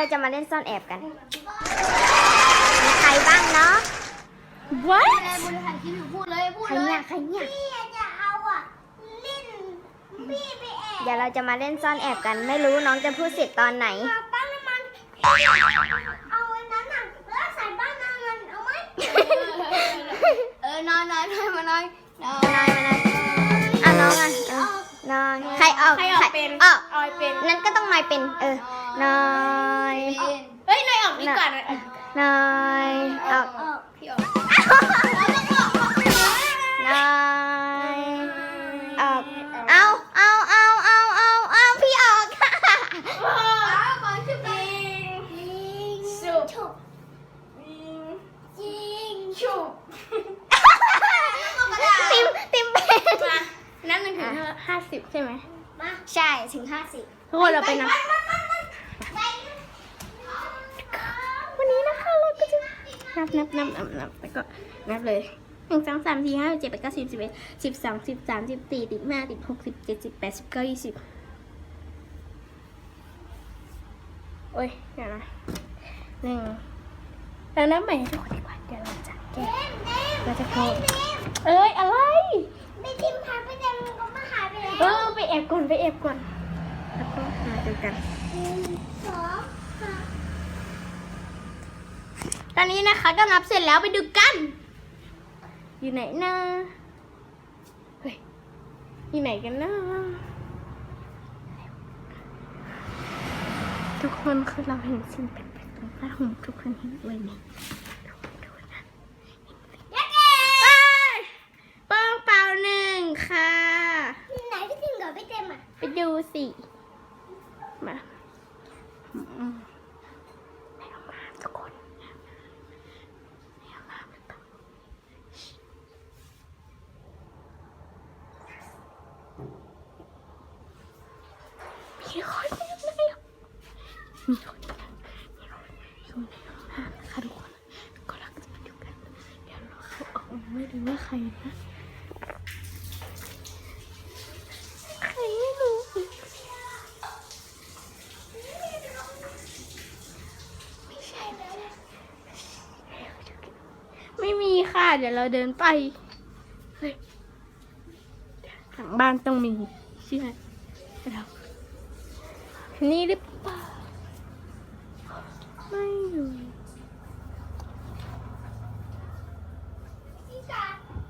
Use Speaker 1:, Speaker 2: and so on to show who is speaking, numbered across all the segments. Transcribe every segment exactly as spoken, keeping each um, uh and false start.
Speaker 1: เราจะมาเล่นซ่อนแอบกันมีใครบ้างเนาะ
Speaker 2: What
Speaker 3: อะไรบริหารคิดอยู่พูดเลยพูด
Speaker 1: ใคร
Speaker 3: เลย
Speaker 1: เนี่ยใครเนี่ย
Speaker 3: พี่จะเอาอ่ะเล่นพี่ไปแอบ
Speaker 1: เดี๋ยวเราจะมาเล่นซ่อนแอบกัน ไม่รู้น้องจะพูดเสร็จตอนไหน
Speaker 3: มาปั้นน้ำมันเอาไอ้นั้นอ่ะแล้วใส่บ้านน้ำมันเอาไหมเออนอนนอนนอนมานอนนอน
Speaker 1: นายมานายอ่ะน้องอ่ะเออนอนใครออก
Speaker 2: ใครออกเป็น
Speaker 1: ออก
Speaker 2: ออยเป็น
Speaker 1: นั้นก็ต้องนายเป็น เออ นาย
Speaker 2: เฮ้ยนายออกดีกว่านะ
Speaker 1: นายออก
Speaker 3: เออ
Speaker 2: พี่ออก
Speaker 1: นายออก เอา เอา เอา เอา เอา เอาพี่ออกค่ะ
Speaker 3: เอาก่อนชุบยิงยิง
Speaker 2: สุบ
Speaker 3: ชุบ
Speaker 2: ยิงฉุบ
Speaker 1: ติมติมเป็น
Speaker 2: มานับหนึ่งถึงห้าสิบใช่ไหม
Speaker 3: มา
Speaker 1: ใช่ถึงห้าสิบ
Speaker 2: ทุกคนเราไปนับ
Speaker 3: ไป
Speaker 2: วันนี้นะคะเราก็จะนับนับนับนับนับแล้วก็นับเลยหนึ่งสองสามสี่ห้าเจ็ดแปดเก้าสิบสิบเอ็ดสิบสองสิบสามสิบสี่สิบห้าสิบหกสิบเจ็ดสิบแปดสิบเก้ายี่สิบโอ้ยเดี๋ยวนะหนึ่งเรานับใหม่ให้ทุกคนดีกว่าเดี๋ยวเราจะแก้เราจะโทรเอ้ยอะไร
Speaker 3: ไม่ทิมหายไปแต่มันก็มาหายไปแล้ว
Speaker 2: เออไปแอบก่อนไปแอบก่อนแล้วก็มาดูกัน
Speaker 3: หนึ่งสองสาม
Speaker 2: ตอนนี้นะคะก็นับเสร็จแล้วไปดูกัน อยู่ไหนนะเฮ้ยอยู่ไหนกันนะทุกคนคือเราเห็นสิ่งแปลกๆตรงผ้าห่มทุกคนเห็นด้วยไหมดูนะ
Speaker 3: ยักษ์เอ๋
Speaker 2: ไปเป้งเปล่าหนึ่งค่ะ
Speaker 3: ไหนพี่ทิมกับพี่เต็มอ่ะ
Speaker 2: ไปดูสิมาอืมไปเอามาทุกคนไปเอามามีคนอยู่ไหนอ่ะมีคนมีคนอยู่ในห้องน้ำนะคะทุกคนก็รักจะมาดูกันเดี๋ยวเราเข้าออกมาไม่รู้ว่าใครนะใครไม่รู้ไม่ใช่ไม่ใช่ไม่มีค่ะเดี๋ยวเราเดินไปเฮ้ยหลังบ้านต้องมีใช่ไหมเรานี่หรือเปล่าไม่รู้
Speaker 3: พี่กา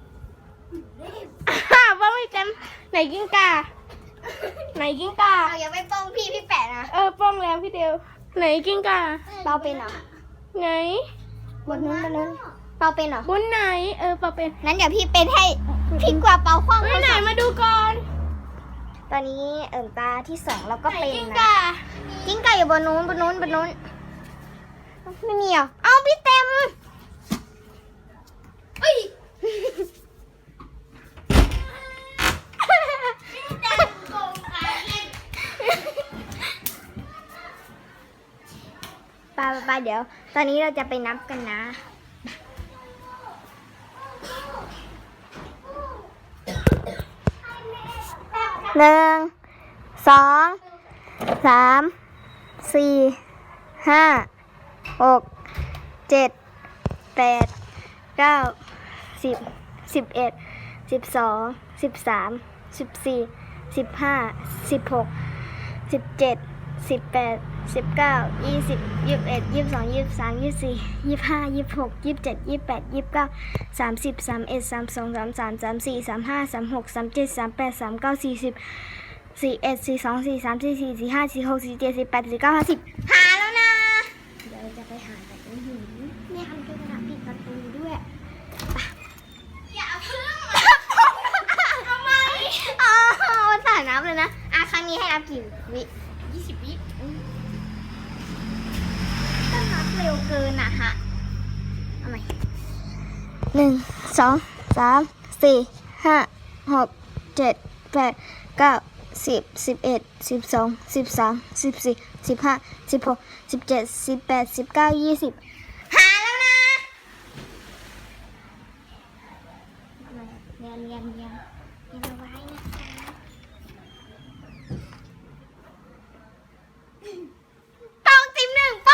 Speaker 2: อ้าวว่าไม่จำไหนกิ้งกาไหนกิ้งกา
Speaker 1: เอายังไม่ป้องพี่พี่แปะนะ
Speaker 2: เออป้องแล้วพี่เดียวไหนกิ้งกา
Speaker 1: เปาเป็นเหรอ
Speaker 2: ไหน
Speaker 1: บนนู้นบนนู้นเปาเป็นเหรอบ
Speaker 2: นไหนเออปะเป็น
Speaker 1: นั้นเดี๋ยวพี่เป็นให้พี่กว่าเปาคว้าง
Speaker 2: ไปไหนมาดูก่อน
Speaker 1: ตอนนี้เอิ่มตาที่สองเราก็
Speaker 2: ไหน
Speaker 1: เป็น
Speaker 2: กิ้ง
Speaker 1: นะ
Speaker 2: กา
Speaker 1: กิ้งก่าอยู่บนนู้นบนนู้นบนนู้นไม่มีเหรอเอาพี่เต็ม
Speaker 3: เอ้ย
Speaker 1: ไปไปไปเดี๋ยว ตอนนี้เราจะไปนับกันนะหนึ่งสองสามสี่ห้าหกเจ็ดแปดเก้าสิบสิบเอ็ดสิบสองสิบสามสิบสี่สิบห้าสิบหกสิบเจ็ดสิบแปดสิบเก้ายี่สิบยี่สิบเอ็ดยี่สิบสองยี่สิบสามยี่สิบสี่ยี่สิบห้ายี่สิบหกยี่สิบเจ็ดยี่สิบแปดยี่สิบเก้าสามสิบสามเอ็ดสามสองสามสามสามสี่สามห้าสามหกสามเจ็ดสามแปดสามเก้าสี่สิบสี่เอ็ดสี่สองสี่สามสี่สี่สี่ห้าสี่หกสี่เจ็ดสี่แปดสี่เก้าห้าสิบหาแล้วนะเดี๋ยวจะไปหาแต่อื้อหือเนี่ยทำเป็นกระดาษปิดประตูด้วย
Speaker 3: อย่าเพิ่ง
Speaker 1: ทำไมอ๋อสานับเลยนะอ่ะครั้งนี้ให้นับกี่วิ
Speaker 3: ยี่สิบวิ
Speaker 1: ก็นับเร็วเกินอ่ะฮะเอาใหม่หนึ่งสองสามสี่ห้าหกเจ็ดแปดเก้าสิบสิบเอ็ดสิบสองสิบสามสิบสี่สิบห้าสิบหกสิบเจ็ดสิบแปดสิบเก้ายี่สิบหาแล้วนะเรียนเรียนเรียนเรียนเอาไว้นะคะตองติมหนึ่งป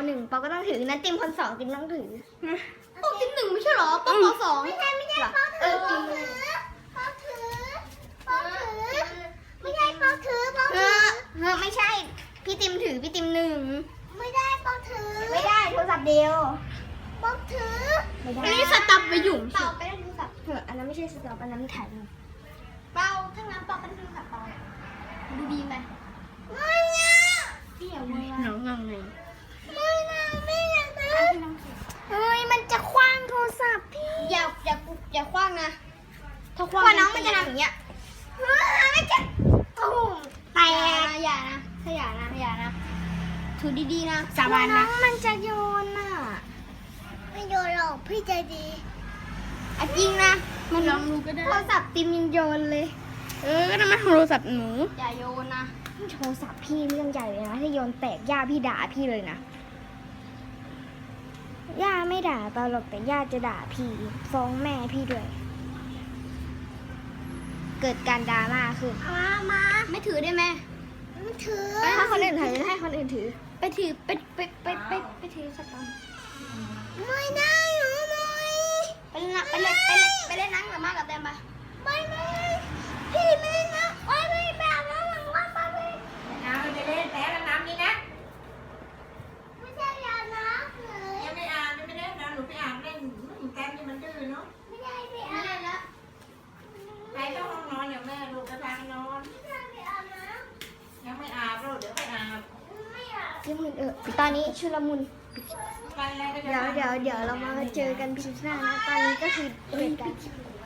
Speaker 1: หนึ่งปอก็ต้องถือนั้นติมคนสองติมต้องถือ
Speaker 2: ปกติหนึ่งไม่ใช่เหรอปปสอง
Speaker 3: ไม่ใช่ไม่ใช่ปอถือปอถือปอถือปอถือไม่ใช่ปอถือปอ
Speaker 1: เอ
Speaker 3: ถือ
Speaker 1: อเออไม่ใช่ พี่ติมถือพี่ติมหนึ่ง
Speaker 3: ไม่ได้ปอถือ
Speaker 1: ไม่ได้โทรศัพท์เดียว
Speaker 3: ปอถือ
Speaker 1: ไม่ได้
Speaker 2: อันนี้สตับไปหยุ่ม
Speaker 3: เป่าไปได้ดูสับ
Speaker 1: เอออันนั้นไม่ใช่สต็อปอันนั้นถ่ายรูป
Speaker 3: เป่าทั้งนั้นเป่าไปได้ดูสับเป่าดูดีไหมไม่นะ
Speaker 1: พี่อย่าเว
Speaker 2: น้องงงไง
Speaker 3: ไม่นะไม่อยากนะ
Speaker 1: เฮ้ยมันจะคว้างโทรศัพท์พี่
Speaker 3: อย่าอย่าอย่าคว้างนะถ้าค
Speaker 1: ก
Speaker 3: ว้าง
Speaker 1: ว่าน้องมันจะทำอย่างเงี้ย
Speaker 3: ไม่จะตุ้ม
Speaker 1: แต
Speaker 3: แต่
Speaker 1: ก
Speaker 3: อย่านะถ้าอย่านะอย่านะถือดีๆนะ
Speaker 2: สาบาน
Speaker 1: น้อ
Speaker 2: นะ
Speaker 1: งมันจะโยนอ่ะ
Speaker 3: ไม่โยนหรอกพี่ใจดี
Speaker 1: อ่ะจริงนะ
Speaker 2: มันลองดูก็ได้
Speaker 1: โทรศัพท์ติมยังโยนเลย
Speaker 2: เออก็นั่นมันโทรศัพท์หนู
Speaker 3: อย่าโยนนะ
Speaker 1: โทรศัพท์พี่เรื่องใหญ่เลยนะถ้าโยนแตกย่าพี่ด่าพี่เลยนะย่าไม่ด่าเปล่าหรอกแต่ย่าจะด่าพี่ฟ้องแม่พี่ด้วย เกิดการดราม่าขึ้น
Speaker 3: มามา
Speaker 2: ไม่ถือได้ไหม
Speaker 3: ไม่ถือ
Speaker 1: ถ้าคนอื่นถือให้คนอื่นถือ
Speaker 2: ไปถือไปไปไปไปไปถือสักตอน
Speaker 3: ไม่ได้หนูไม่
Speaker 2: ไปเล่นนะไปเล่นไปเล่นไปเล่นนังกับมากับแตมปะ
Speaker 3: ไม่ไม่พี่ไม่ได้นะโอ้ยไม่แบบนั้นหลังว่าไปไม่
Speaker 4: เอาไปเล่นแต่น้ำนี่นะ
Speaker 3: ไม่ใช่ยานะเลย
Speaker 4: ยังไม่อาบยังไม่เล่นนะหนูไปอาบเล่นแต้มนี่มันดื้อเนาะ
Speaker 3: ไม่ได้ไปอาบน้
Speaker 4: ไปเข้าห้องนอนเดี๋ยวแม่ลูกจะพาไปนอน
Speaker 3: ำไม่ได้ไปอาบน้
Speaker 4: ยังไม่อาบลูกเดี๋ยวไปอาบ
Speaker 3: ำไม่อาบ
Speaker 1: ยังมุนเออตอนนี้ชุลมุน
Speaker 4: ไปอะไรก็จะ
Speaker 1: เดี๋ยวเดี๋ยวเดี๋ยวเรามาเจอกันคลิปหน้านะ ตอนนี้ก็คือเหตุการณ์